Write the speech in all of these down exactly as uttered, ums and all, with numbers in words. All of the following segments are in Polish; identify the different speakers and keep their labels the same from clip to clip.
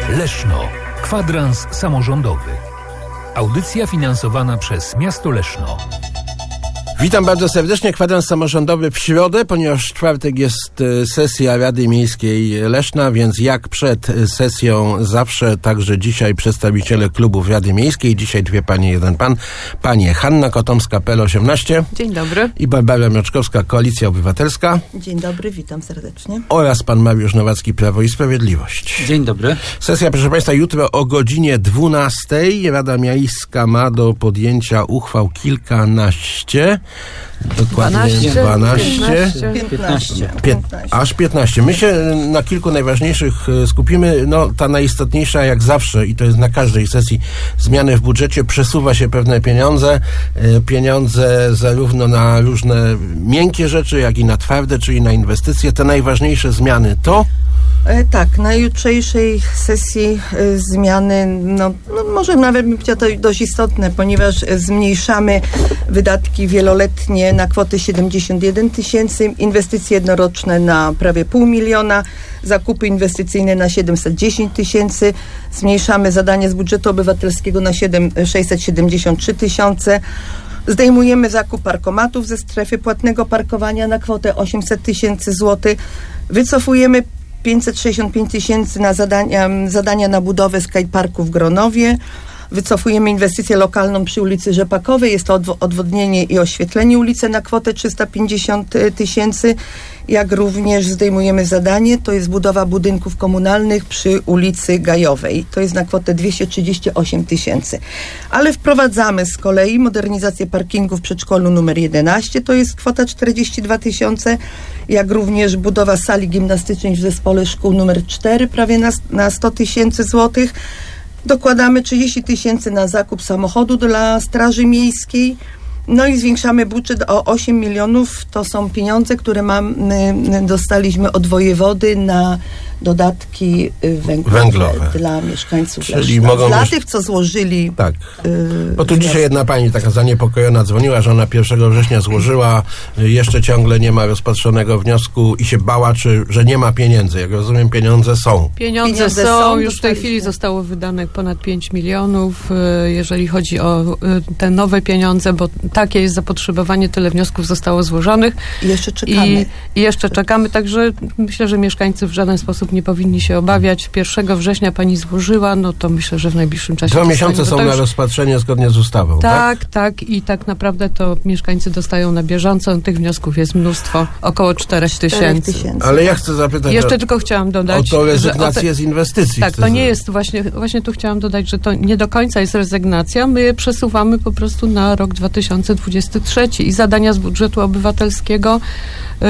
Speaker 1: Leszno. Kwadrans samorządowy. Audycja finansowana przez Miasto Leszno.
Speaker 2: Witam bardzo serdecznie. Kwadrans samorządowy w środę, ponieważ w czwartek jest sesja Rady Miejskiej Leszna, więc jak przed sesją zawsze, także dzisiaj przedstawiciele klubów Rady Miejskiej. Dzisiaj dwie panie, jeden pan. Panie Hanna Kotomska, P L osiemnaście.
Speaker 3: Dzień dobry.
Speaker 2: I Barbara Mioczkowska, Koalicja Obywatelska.
Speaker 4: Dzień dobry, witam serdecznie.
Speaker 2: Oraz pan Mariusz Nowacki, Prawo i Sprawiedliwość.
Speaker 5: Dzień dobry.
Speaker 2: Sesja, proszę państwa, jutro o godzinie dwunastej. Rada Miejska ma do podjęcia uchwał kilkanaście. Dokładnie dwanaście.
Speaker 4: piętnaście.
Speaker 2: piętnaście. Aż piętnaście. My się na kilku najważniejszych skupimy. No, ta najistotniejsza jak zawsze, i to jest na każdej sesji, zmiany w budżecie. Przesuwa się pewne pieniądze. Pieniądze zarówno na różne miękkie rzeczy, jak i na twarde, czyli na inwestycje. Te najważniejsze zmiany to...
Speaker 4: E, tak, na jutrzejszej sesji e, zmiany, no, no może nawet bym powiedziała, to dość istotne, ponieważ zmniejszamy wydatki wieloletnie na kwotę siedemdziesiąt jeden tysięcy, inwestycje jednoroczne na prawie pół miliona, zakupy inwestycyjne na siedemset dziesięć tysięcy, zmniejszamy zadania z budżetu obywatelskiego na sześćset siedemdziesiąt trzy tysiące. Zdejmujemy zakup parkomatów ze strefy płatnego parkowania na kwotę osiemset tysięcy złotych. Wycofujemy pięćset sześćdziesiąt pięć tysięcy na zadania, zadania na budowę skateparku w Gronowie. Wycofujemy inwestycję lokalną przy ulicy Rzepakowej. Jest to odwo- odwodnienie i oświetlenie ulicy na kwotę trzysta pięćdziesiąt tysięcy. Jak również zdejmujemy zadanie, to jest budowa budynków komunalnych przy ulicy Gajowej. To jest na kwotę dwieście trzydzieści osiem tysięcy. Ale wprowadzamy z kolei modernizację parkingu w przedszkolu numer jedenaście, to jest kwota czterdzieści dwa tysiące. Jak również budowa sali gimnastycznej w zespole szkół numer cztery, prawie na, na sto tysięcy złotych. Dokładamy trzydzieści tysięcy na zakup samochodu dla Straży Miejskiej. No i zwiększamy budżet o osiem milionów. To są pieniądze, które mamy, dostaliśmy od wojewody na dodatki węglowe,
Speaker 2: węglowe.
Speaker 4: dla mieszkańców
Speaker 2: Czyli
Speaker 4: Leszna.
Speaker 2: mogą
Speaker 4: Dla
Speaker 2: już...
Speaker 4: tych, co złożyli...
Speaker 2: Tak.
Speaker 4: Yy,
Speaker 2: Bo tu dzisiaj jedna pani taka zaniepokojona dzwoniła, że ona pierwszego września złożyła, jeszcze ciągle nie ma rozpatrzonego wniosku i się bała, czy, że nie ma pieniędzy. Jak rozumiem, pieniądze są.
Speaker 3: Pieniądze,
Speaker 4: Pieniądze
Speaker 3: są,
Speaker 4: są,
Speaker 3: już w tej
Speaker 4: dostaliśmy.
Speaker 3: chwili zostało wydane ponad pięć milionów, jeżeli chodzi o te nowe pieniądze, bo takie jest zapotrzebowanie, tyle wniosków zostało złożonych.
Speaker 4: I jeszcze czekamy.
Speaker 3: I, I jeszcze czekamy, także myślę, że mieszkańcy w żaden sposób nie powinni się obawiać. pierwszego września pani złożyła, no to myślę, że w najbliższym czasie...
Speaker 2: Dwa miesiące są
Speaker 3: to
Speaker 2: na
Speaker 3: już...
Speaker 2: rozpatrzenie zgodnie z ustawą, tak?
Speaker 3: Tak, tak i tak naprawdę to mieszkańcy dostają na bieżąco. Tych wniosków jest mnóstwo, około czterech tysięcy.
Speaker 2: Ale ja chcę zapytać...
Speaker 3: Jeszcze
Speaker 2: o,
Speaker 3: tylko chciałam dodać...
Speaker 2: o to rezygnację
Speaker 3: że o te...
Speaker 2: z inwestycji.
Speaker 3: Tak, to nie jest właśnie... Właśnie tu chciałam dodać, że to nie do końca jest rezygnacja. My je przesuwamy po prostu na rok dwa tysiące dwudziesty trzeci i zadania z budżetu obywatelskiego yy,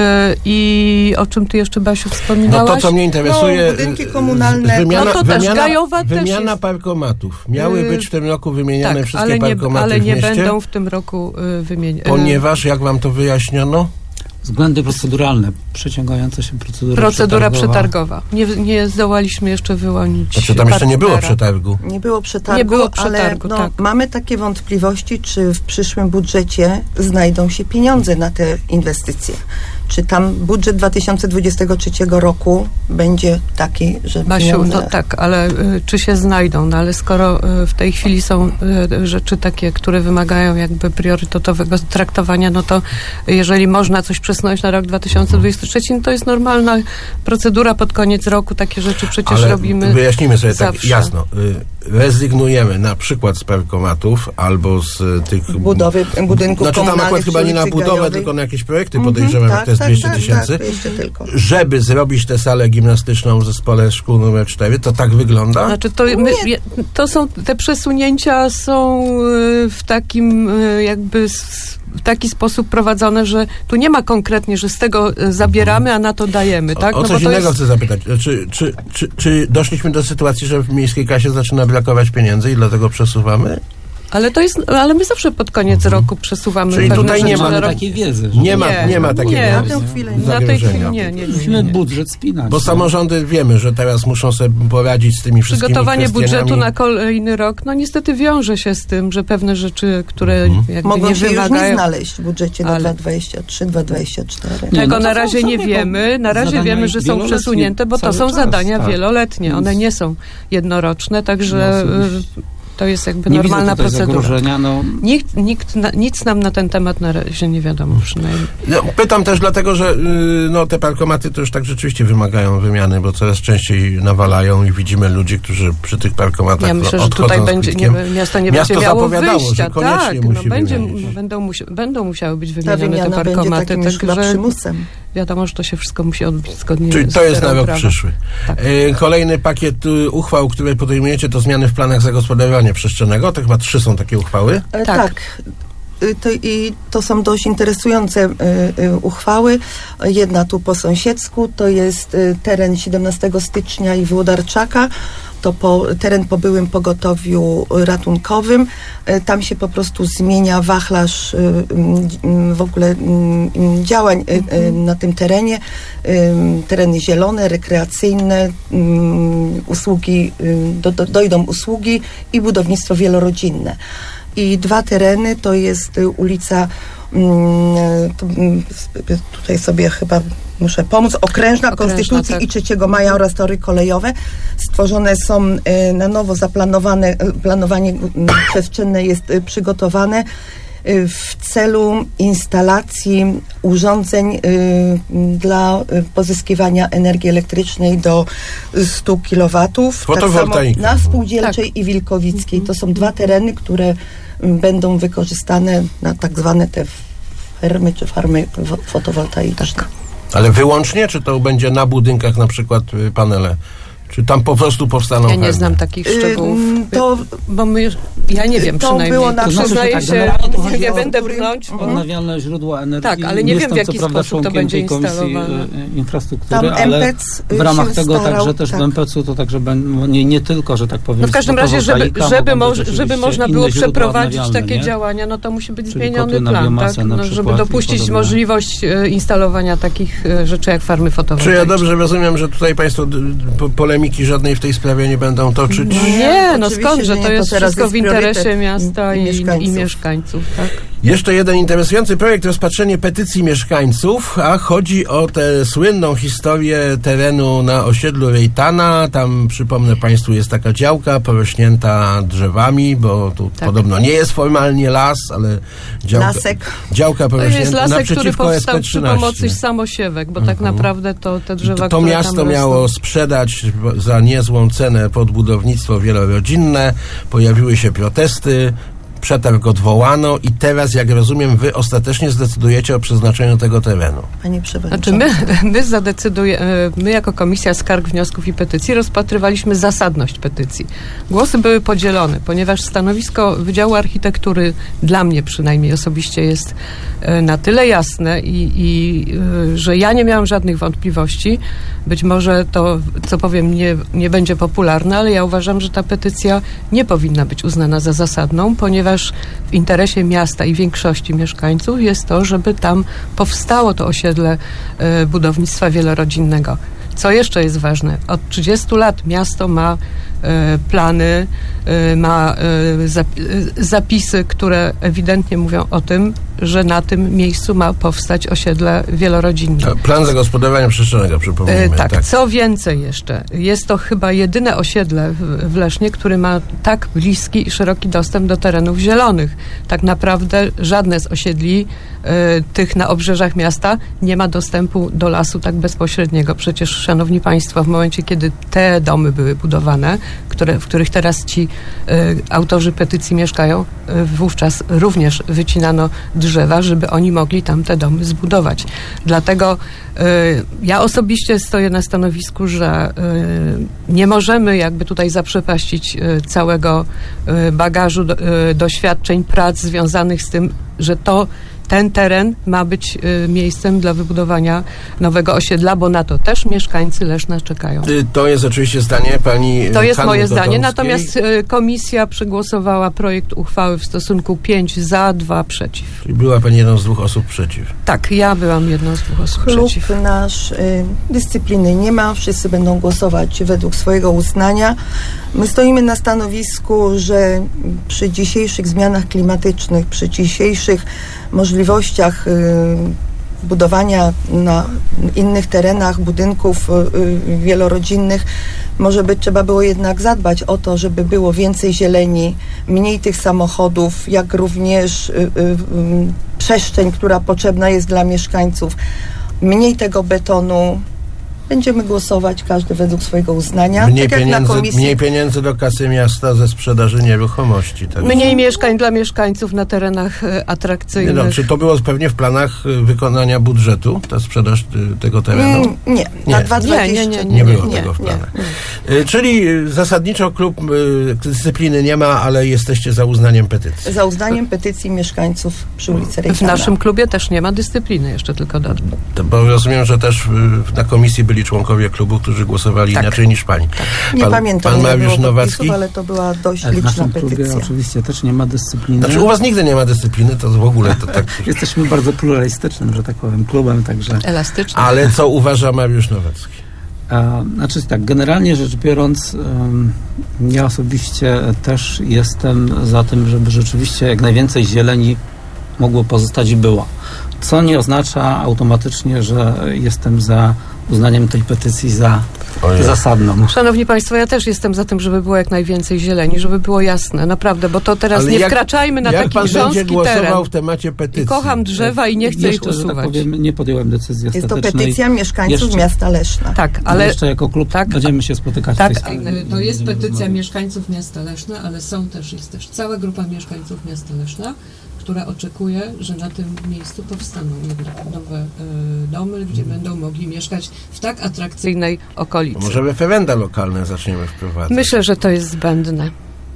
Speaker 3: i o czym ty jeszcze, Basiu, wspominałaś?
Speaker 2: No to, co mnie interesuje...
Speaker 4: No, budynki komunalne.
Speaker 2: Wymiana,
Speaker 3: no to też,
Speaker 2: wymiana,
Speaker 3: Gajowa
Speaker 2: wymiana
Speaker 3: też jest...
Speaker 2: parkomatów. Miały
Speaker 3: Yy,
Speaker 2: być w tym roku wymieniane
Speaker 3: tak,
Speaker 2: wszystkie
Speaker 3: ale nie,
Speaker 2: parkomaty
Speaker 3: ale
Speaker 2: w
Speaker 3: nie
Speaker 2: mieście,
Speaker 3: będą w tym roku yy, wymienione.
Speaker 2: ponieważ, jak wam to wyjaśniono?
Speaker 5: Względy proceduralne, przeciągająca się procedura,
Speaker 3: Procedura
Speaker 5: przetargowa.
Speaker 3: przetargowa. Nie, nie zdołaliśmy jeszcze wyłonić
Speaker 2: Znaczy tam jeszcze nie było
Speaker 3: partnera.
Speaker 2: przetargu.
Speaker 4: Nie było przetargu,
Speaker 3: Nie było przetargu,
Speaker 4: ale no,
Speaker 3: tak.
Speaker 4: mamy takie wątpliwości, czy w przyszłym budżecie znajdą się pieniądze na te inwestycje. Czy tam budżet dwa tysiące dwudziestego trzeciego roku będzie taki, że
Speaker 3: Basiu,
Speaker 4: pieniądze...
Speaker 3: no tak, ale y, czy się znajdą? No ale skoro y, w tej chwili są y, rzeczy takie, które wymagają jakby priorytetowego traktowania, no to jeżeli można coś przesunąć na rok dwa tysiące dwudziesty trzeci, no to jest normalna procedura pod koniec roku. Takie rzeczy przecież
Speaker 2: Ale
Speaker 3: robimy
Speaker 2: wyjaśnimy sobie
Speaker 3: zawsze.
Speaker 2: tak jasno. Y, rezygnujemy na przykład z parkomatów albo z y, tych...
Speaker 4: budowy budynków
Speaker 2: Znaczy tam
Speaker 4: komunalnych
Speaker 2: akurat chyba
Speaker 4: przy
Speaker 2: nie na
Speaker 4: ulicy
Speaker 2: budowę,
Speaker 4: Gajowej.
Speaker 2: tylko na jakieś projekty
Speaker 4: Mhm,
Speaker 2: podejrzewam,
Speaker 4: tak,
Speaker 2: jak to jest
Speaker 4: tak,
Speaker 2: dwieście
Speaker 4: tak,
Speaker 2: tysięcy.
Speaker 4: tak, jeszcze tylko.
Speaker 2: Żeby zrobić tę salę gimnastyczną w zespole szkół numer cztery, to tak wygląda?
Speaker 3: Znaczy to, my, je- to są, te przesunięcia są y, w takim y, jakby s- w taki sposób prowadzone, że tu nie ma konkretnie, że z tego y, zabieramy, a na to dajemy, tak?
Speaker 2: O, o
Speaker 3: No
Speaker 2: coś
Speaker 3: bo to
Speaker 2: innego
Speaker 3: jest...
Speaker 2: chcę zapytać. Czy, czy, czy, czy doszliśmy do sytuacji, że w miejskiej kasie zaczyna brakować pieniędzy i dlatego przesuwamy?
Speaker 3: Ale to jest, ale my zawsze pod koniec roku przesuwamy
Speaker 2: Czyli
Speaker 3: pewne
Speaker 2: tutaj nie
Speaker 3: rzeczy
Speaker 2: ma
Speaker 3: na rok.
Speaker 5: takiej wiedzy. że-
Speaker 2: Nie ma,
Speaker 3: Nie,
Speaker 2: nie ma takiego
Speaker 3: nie,
Speaker 4: na tę chwilę nie.
Speaker 3: Na tej chwili
Speaker 2: zagrożenia.
Speaker 3: nie, nie, nie,
Speaker 5: Musimy
Speaker 3: nie.
Speaker 5: budżet spinać.
Speaker 2: Bo
Speaker 5: no.
Speaker 2: samorządy wiemy, że teraz muszą sobie poradzić z tymi wszystkimi
Speaker 3: Przygotowanie
Speaker 2: kwestiami.
Speaker 3: budżetu na kolejny rok, no niestety wiąże się z tym, że pewne rzeczy, które
Speaker 2: Mhm.
Speaker 3: jakby
Speaker 4: Mogą
Speaker 3: nie
Speaker 4: się już nie
Speaker 3: wymagają...
Speaker 4: znaleźć w budżecie na
Speaker 3: Ale-
Speaker 4: dwa tysiące dwudziesty trzeci dwa tysiące dwudziesty czwarty.
Speaker 5: Nie,
Speaker 3: Tego
Speaker 5: no to
Speaker 3: na
Speaker 5: są
Speaker 3: razie nie
Speaker 5: sobie
Speaker 3: wiemy. Na razie
Speaker 5: zadania
Speaker 3: wiemy, że są
Speaker 5: wieloletnie
Speaker 3: przesunięte, bo to
Speaker 5: cały
Speaker 3: są
Speaker 5: czas,
Speaker 3: zadania
Speaker 5: tak.
Speaker 3: wieloletnie. One
Speaker 5: Więc-
Speaker 3: nie są jednoroczne, także
Speaker 5: No,
Speaker 3: y,
Speaker 5: oczywiście.
Speaker 3: to jest jakby
Speaker 5: Nie
Speaker 3: normalna
Speaker 5: widzę tutaj
Speaker 3: procedura.
Speaker 5: zagrożenia, no.
Speaker 3: Nikt, nikt na, nic nam na ten temat na razie nie wiadomo przynajmniej.
Speaker 2: No, pytam też dlatego, że y, no, te parkomaty to już tak rzeczywiście wymagają wymiany, bo coraz częściej nawalają i widzimy ludzi, którzy przy tych parkomatach
Speaker 3: Ja myślę, że
Speaker 2: odchodzą
Speaker 3: tutaj
Speaker 2: z
Speaker 3: będzie, nie,
Speaker 2: kwitkiem.
Speaker 3: miasto nie
Speaker 2: Miasto
Speaker 3: będzie miało
Speaker 2: zapowiadało,
Speaker 3: wyjścia.
Speaker 2: że koniecznie
Speaker 3: Tak,
Speaker 2: musi
Speaker 3: no będzie,
Speaker 2: wymienić.
Speaker 3: będą, musi, będą musiały być
Speaker 4: Ta
Speaker 3: wymienione te
Speaker 4: wymiana będzie
Speaker 3: parkomaty,
Speaker 4: takim już chyba
Speaker 3: także
Speaker 4: przymusem.
Speaker 3: wiadomo, że to się wszystko musi odbyć zgodnie
Speaker 2: Czyli
Speaker 3: z
Speaker 2: to jest na
Speaker 3: literą
Speaker 2: rok
Speaker 3: prawa.
Speaker 2: przyszły.
Speaker 3: Tak.
Speaker 2: Y, Kolejny pakiet y, uchwał, które podejmujecie, to zmiany w planach zagospodarowania przestrzennego. To chyba trzy są takie uchwały.
Speaker 4: E,
Speaker 3: Tak.
Speaker 4: Tak. Y, To, I to są dość interesujące y, y, uchwały. Jedna tu po sąsiedzku, to jest y, teren siedemnastego stycznia i Włodarczaka. To po, teren po byłym pogotowiu ratunkowym. Y, Tam się po prostu zmienia wachlarz y, y, w ogóle y, y, działań y, y, na tym terenie. Y, Tereny zielone, rekreacyjne, y, usługi, y, do, do, dojdą usługi i budownictwo wielorodzinne. I dwa tereny to jest y, ulica, mm, tu, mm, s- tutaj sobie chyba muszę pomóc, Okrężna,
Speaker 3: Okrężna,
Speaker 4: Konstytucji
Speaker 3: tak.
Speaker 4: i trzeciego maja oraz tory kolejowe. Stworzone są y, na nowo zaplanowane, y, planowanie y, przestrzenne jest y, przygotowane y, w celu instalacji urządzeń y, dla y, pozyskiwania energii elektrycznej do stu kilowatów.
Speaker 2: Fotowoltaika.
Speaker 4: Tak samo na Spółdzielczej i Wilkowickiej. To są dwa tereny, które m, będą wykorzystane na tak zwane te fermy czy farmy wo- fotowoltaiczne.
Speaker 2: Ale wyłącznie, czy to będzie na budynkach na przykład y, panele? Czy tam po prostu powstaną
Speaker 3: Ja nie
Speaker 2: fermy?
Speaker 3: znam takich szczegółów.
Speaker 4: Ym, to
Speaker 3: Bo my, już- ja nie wiem
Speaker 4: to
Speaker 3: przynajmniej.
Speaker 4: było na
Speaker 5: To znaczy, że
Speaker 3: Przyznaję
Speaker 5: tak,
Speaker 3: się,
Speaker 5: generalnie to
Speaker 3: nie
Speaker 5: chodzi o-
Speaker 3: będę brnąć, bo
Speaker 5: Odnawialne źródła energii.
Speaker 3: Tak, ale nie wiem,
Speaker 5: Jestem,
Speaker 3: w jaki
Speaker 5: co prawda,
Speaker 3: sposób to
Speaker 5: członkiem
Speaker 3: będzie
Speaker 5: tej Komisji
Speaker 3: instalowane.
Speaker 5: e, Infrastruktury,
Speaker 4: Tam
Speaker 5: ale
Speaker 4: M P C
Speaker 5: w ramach
Speaker 4: się
Speaker 5: tego
Speaker 4: starał,
Speaker 5: także też
Speaker 4: tak.
Speaker 5: w M P C-u to także ben, nie, nie tylko, że tak powiem,
Speaker 3: no w każdym razie, żeby,
Speaker 5: fotowoltaika,
Speaker 3: żeby,
Speaker 5: mogą
Speaker 3: moż,
Speaker 5: być
Speaker 3: żeby
Speaker 5: oczywiście
Speaker 3: można
Speaker 5: inne
Speaker 3: było
Speaker 5: źródła
Speaker 3: przeprowadzić
Speaker 5: odnawialne,
Speaker 3: takie
Speaker 5: nie?
Speaker 3: działania, no to musi być
Speaker 5: Czyli
Speaker 3: zmieniony
Speaker 5: kotły na
Speaker 3: plan,
Speaker 5: biomasę
Speaker 3: tak?
Speaker 5: na
Speaker 3: No, żeby
Speaker 5: przykład i
Speaker 3: dopuścić
Speaker 5: podobne.
Speaker 3: możliwość e, instalowania takich e, rzeczy jak farmy
Speaker 2: Czy
Speaker 3: fotowoltaiczne.
Speaker 2: ja dobrze rozumiem, że tutaj państwo d- po, polemiki żadnej w tej sprawie nie będą toczyć?
Speaker 3: Nie, no
Speaker 4: Oczywiście,
Speaker 3: skąd, że
Speaker 4: że
Speaker 3: to
Speaker 4: nie,
Speaker 3: jest
Speaker 4: to teraz
Speaker 3: wszystko w
Speaker 4: jest
Speaker 3: interesie
Speaker 4: priorytet
Speaker 3: miasta
Speaker 4: i
Speaker 3: i, i
Speaker 4: mieszkańców.
Speaker 3: mieszkańców, tak?
Speaker 2: Jeszcze jeden interesujący projekt, rozpatrzenie petycji mieszkańców, a chodzi o tę słynną historię terenu na osiedlu Rejtana. Tam, przypomnę państwu, jest taka działka porośnięta drzewami, bo tu
Speaker 3: Tak.
Speaker 2: podobno nie jest formalnie las, ale działka,
Speaker 4: Lasek.
Speaker 2: działka
Speaker 3: To jest
Speaker 2: porośnięta
Speaker 3: lasek, który
Speaker 2: naprzeciwko S
Speaker 3: powstał
Speaker 2: P
Speaker 3: przy
Speaker 2: trzynaście.
Speaker 3: pomocy samosiewek, bo tak naprawdę to te drzewa,
Speaker 2: To
Speaker 3: które
Speaker 2: miasto
Speaker 3: tam
Speaker 2: miało
Speaker 3: rosną,
Speaker 2: sprzedać za niezłą cenę pod budownictwo wielorodzinne. Pojawiły się protesty, przetarg odwołano i teraz, jak rozumiem, wy ostatecznie zdecydujecie o przeznaczeniu tego terenu.
Speaker 4: Panie Przewodniczący.
Speaker 3: Znaczy my, my zadecydujemy, my jako Komisja Skarg, Wniosków i Petycji rozpatrywaliśmy zasadność petycji. Głosy były podzielone, ponieważ stanowisko Wydziału Architektury dla mnie przynajmniej osobiście jest e, na tyle jasne i, i e, że ja nie miałam żadnych wątpliwości. Być może to, co powiem, nie, nie będzie popularne, ale ja uważam, że ta petycja nie powinna być uznana za zasadną, ponieważ w interesie miasta i większości mieszkańców jest to, żeby tam powstało to osiedle e, budownictwa wielorodzinnego. Co jeszcze jest ważne? Od trzydziestu lat miasto ma e, plany, e, ma e, zap, e, zapisy, które ewidentnie mówią o tym, że na tym miejscu ma powstać osiedle wielorodzinne.
Speaker 2: Plan zagospodarowania przestrzennego, przypomnijmy.
Speaker 3: E, tak, co więcej jeszcze, jest to chyba jedyne osiedle w, w Lesznie, który ma tak bliski i szeroki dostęp do terenów zielonych. Tak naprawdę żadne z osiedli e, tych na obrzeżach miasta nie ma dostępu do lasu tak bezpośredniego. Przecież, szanowni państwo, w momencie, kiedy te domy były budowane, które, w których teraz ci e, autorzy petycji mieszkają, e, wówczas również wycinano drzewa, żeby oni mogli tam te domy zbudować. Dlatego y, ja osobiście stoję na stanowisku, że y, nie możemy jakby tutaj zaprzepaścić y, całego y, bagażu do, y, doświadczeń, prac związanych z tym, że to ten teren ma być y, miejscem dla wybudowania nowego osiedla, bo na to też mieszkańcy Leszna czekają.
Speaker 2: Y, To jest oczywiście zdanie pani
Speaker 3: To jest
Speaker 2: Hanny
Speaker 3: moje zdanie,
Speaker 2: Godomskiej.
Speaker 3: natomiast y, komisja przegłosowała projekt uchwały w stosunku pięć za, dwa przeciw.
Speaker 2: Czyli była pani jedną z dwóch osób przeciw.
Speaker 3: Tak, ja byłam jedną z dwóch osób
Speaker 4: Klub
Speaker 3: przeciw.
Speaker 4: nasz y, dyscypliny nie ma, wszyscy będą głosować według swojego uznania. My stoimy na stanowisku, że przy dzisiejszych zmianach klimatycznych, przy dzisiejszych możliwościach y, budowania na innych terenach budynków y, y, wielorodzinnych, może by trzeba było jednak zadbać o to, żeby było więcej zieleni, mniej tych samochodów, jak również y, y, y, przestrzeń, która potrzebna jest dla mieszkańców, mniej tego betonu. Będziemy głosować każdy według swojego uznania.
Speaker 2: Mniej,
Speaker 4: tak jak na
Speaker 2: pieniędzy,
Speaker 4: komisji.
Speaker 2: mniej pieniędzy do kasy miasta ze sprzedaży nieruchomości. Tak?
Speaker 3: Mniej mieszkań dla mieszkańców na terenach y,
Speaker 2: Nie
Speaker 3: atrakcyjnych.
Speaker 2: no, czy to było pewnie w planach y, wykonania budżetu, ta sprzedaż y, tego terenu?
Speaker 4: Mm, nie, na
Speaker 2: Nie.
Speaker 4: dwa tysiące dwudziesty
Speaker 3: Nie, nie,
Speaker 2: Nie było
Speaker 3: nie,
Speaker 2: tego w
Speaker 4: nie.
Speaker 2: planach. Y, Czyli y, zasadniczo klub y, dyscypliny nie ma, ale jesteście za uznaniem petycji.
Speaker 4: Za uznaniem petycji mieszkańców przy ulicy
Speaker 3: W
Speaker 4: Rejtana.
Speaker 3: naszym klubie też nie ma dyscypliny, jeszcze tylko dodam.
Speaker 2: To, bo rozumiem, że też y, na komisji byli członkowie klubu, którzy głosowali
Speaker 3: Tak.
Speaker 2: inaczej niż pani.
Speaker 4: Nie
Speaker 2: pan,
Speaker 4: pamiętam,
Speaker 2: Pan
Speaker 4: ile
Speaker 2: Mariusz
Speaker 4: było
Speaker 2: Nowacki?
Speaker 4: podpisów, ale to była dość
Speaker 5: Ale w
Speaker 4: liczna
Speaker 5: naszym klubie
Speaker 4: petycja.
Speaker 5: oczywiście też nie ma dyscypliny.
Speaker 2: Znaczy u was nigdy nie ma dyscypliny, to w ogóle to tak...
Speaker 5: Jesteśmy bardzo pluralistycznym, że tak powiem, klubem, także...
Speaker 3: Elastyczny.
Speaker 2: Ale co uważa Mariusz Nowacki?
Speaker 5: A, znaczy tak, generalnie rzecz biorąc, ym, ja osobiście też jestem za tym, żeby rzeczywiście jak najwięcej zieleni mogło pozostać i było. Co nie oznacza automatycznie, że jestem za uznaniem tej petycji za
Speaker 2: Ojej.
Speaker 5: zasadną.
Speaker 3: Szanowni Państwo, ja też jestem za tym, żeby było jak najwięcej zieleni, żeby było jasne, naprawdę, bo to teraz
Speaker 2: Ale
Speaker 3: nie
Speaker 2: jak-
Speaker 3: wkraczajmy na
Speaker 2: Jak
Speaker 3: taki
Speaker 2: pan będzie
Speaker 3: grząski
Speaker 2: głosował
Speaker 3: teren.
Speaker 2: w temacie petycji?
Speaker 3: I kocham drzewa i nie chcę ich
Speaker 5: Jeszcze, że tak
Speaker 3: usuwać.
Speaker 5: powiem, nie podjąłem decyzji
Speaker 4: Jest to
Speaker 5: ostatecznej.
Speaker 4: petycja mieszkańców
Speaker 5: Jeszcze-
Speaker 4: miasta Leszna.
Speaker 3: Tak,
Speaker 5: Ale
Speaker 3: ale
Speaker 5: jeszcze jako klub
Speaker 3: tak,
Speaker 5: będziemy się spotykać
Speaker 3: tak,
Speaker 5: w tej sprawie.
Speaker 6: To jest
Speaker 5: Będziemy
Speaker 6: petycja
Speaker 5: rozmawiać.
Speaker 6: mieszkańców miasta Leszna, ale są też, jest też cała grupa mieszkańców miasta Leszna, która oczekuje, że na tym miejscu powstaną jednak nowe y, domy, gdzie będą mogli mieszkać w tak atrakcyjnej okolicy.
Speaker 2: Może referenda lokalne zaczniemy wprowadzać.
Speaker 3: myślę, że to jest zbędne.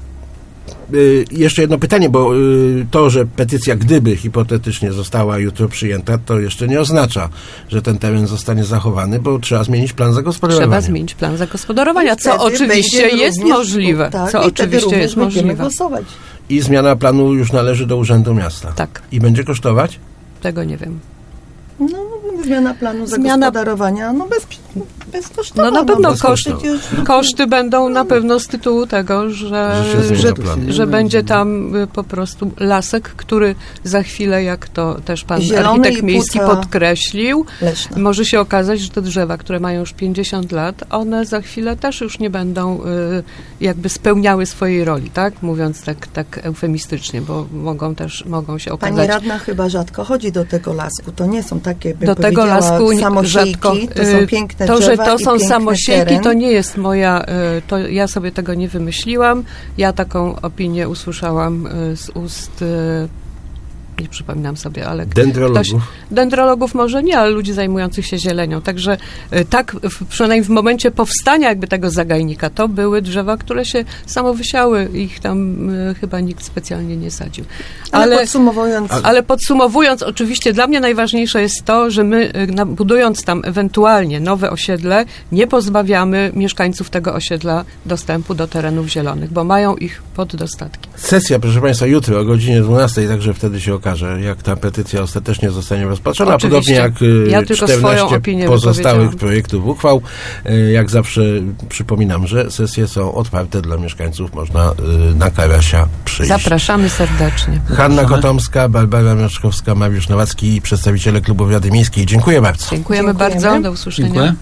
Speaker 2: Y, jeszcze jedno pytanie, bo y, to, że petycja gdyby hipotetycznie została jutro przyjęta, to jeszcze nie oznacza, że ten teren zostanie zachowany, bo trzeba zmienić plan zagospodarowania.
Speaker 3: Trzeba zmienić plan zagospodarowania,
Speaker 4: I
Speaker 3: co
Speaker 4: wtedy
Speaker 3: oczywiście
Speaker 4: będzie
Speaker 3: jest
Speaker 4: również-
Speaker 3: możliwe.
Speaker 4: Tak,
Speaker 3: Co
Speaker 4: i wtedy
Speaker 3: oczywiście
Speaker 4: również
Speaker 3: jest
Speaker 4: będziemy
Speaker 3: możliwe.
Speaker 4: głosować.
Speaker 2: I zmiana planu już należy do Urzędu Miasta.
Speaker 3: Tak,
Speaker 2: I będzie kosztować?
Speaker 3: tego nie wiem.
Speaker 4: No, zmiana planu
Speaker 3: Zmiana-
Speaker 4: zagospodarowania, no bez, bezkosztowo.
Speaker 3: No na pewno
Speaker 2: bez
Speaker 3: koszty,
Speaker 2: kosztu.
Speaker 4: przecież-
Speaker 3: koszty będą na pewno z tytułu tego, że,
Speaker 2: Że się zmienia
Speaker 3: że,
Speaker 2: plan.
Speaker 3: że będzie tam y, po prostu lasek, który za chwilę, jak to też pan
Speaker 4: Zielony
Speaker 3: architekt
Speaker 4: i
Speaker 3: miejski
Speaker 4: płuca
Speaker 3: podkreślił,
Speaker 4: Leszna.
Speaker 3: może się okazać, że te drzewa, które mają już pięćdziesiąt lat, one za chwilę też już nie będą y, jakby spełniały swojej roli, tak? Mówiąc tak, tak eufemistycznie, bo mogą też, mogą się
Speaker 4: Pani
Speaker 3: okazać...
Speaker 4: radna chyba rzadko chodzi do tego lasku. To nie są takie, bym
Speaker 3: Do tego
Speaker 4: powiedziała,
Speaker 3: lasku nie-
Speaker 4: samosiejki.
Speaker 3: rzadko.
Speaker 4: To są
Speaker 3: y,
Speaker 4: piękne
Speaker 3: To, że
Speaker 4: drzewa
Speaker 3: to
Speaker 4: i
Speaker 3: są
Speaker 4: piękny
Speaker 3: samosiejki,
Speaker 4: teren.
Speaker 3: to nie jest moja, y, to ja sobie tego nie wymyśliłam. Ja taką opinię usłyszałam y, z ust, y, nie przypominam sobie, ale
Speaker 2: Dendrologów.
Speaker 3: ktoś, dendrologów może nie, ale ludzi zajmujących się zielenią. Także y, tak, w, przynajmniej w momencie powstania jakby tego zagajnika, to były drzewa, które się samo wysiały. Ich tam y, chyba nikt specjalnie nie sadził.
Speaker 4: Ale,
Speaker 3: Ale,
Speaker 4: podsumowując,
Speaker 3: ale podsumowując, oczywiście dla mnie najważniejsze jest to, że my y, na- budując tam ewentualnie nowe osiedle, nie pozbawiamy mieszkańców tego osiedla dostępu do terenów zielonych, bo mają ich pod dostatkiem.
Speaker 2: Sesja, proszę Państwa, jutro o godzinie dwunastej, także wtedy się okaże, jak ta petycja ostatecznie zostanie rozpatrzona.
Speaker 3: Oczywiście.
Speaker 2: Podobnie jak y,
Speaker 3: Ja tylko swoją
Speaker 2: czternaście
Speaker 3: opinię
Speaker 2: pozostałych
Speaker 3: wypowiedziałam.
Speaker 2: projektów uchwał. Y, Jak zawsze przypominam, że sesje są otwarte dla mieszkańców. Można y, na Karasia przyjść.
Speaker 3: Zapraszamy serdecznie.
Speaker 2: Hanna
Speaker 5: Zapraszamy.
Speaker 2: Kotomska, Barbara Mieszkowska, Mariusz Nowacki i przedstawiciele Klubu Rady Miejskiej. Dziękuję bardzo.
Speaker 3: Dziękujemy,
Speaker 4: Dziękujemy.
Speaker 3: bardzo. Do usłyszenia.
Speaker 5: Dziękuję.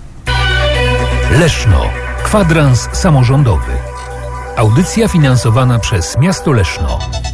Speaker 1: Leszno. Kwadrans samorządowy. Audycja finansowana przez miasto Leszno.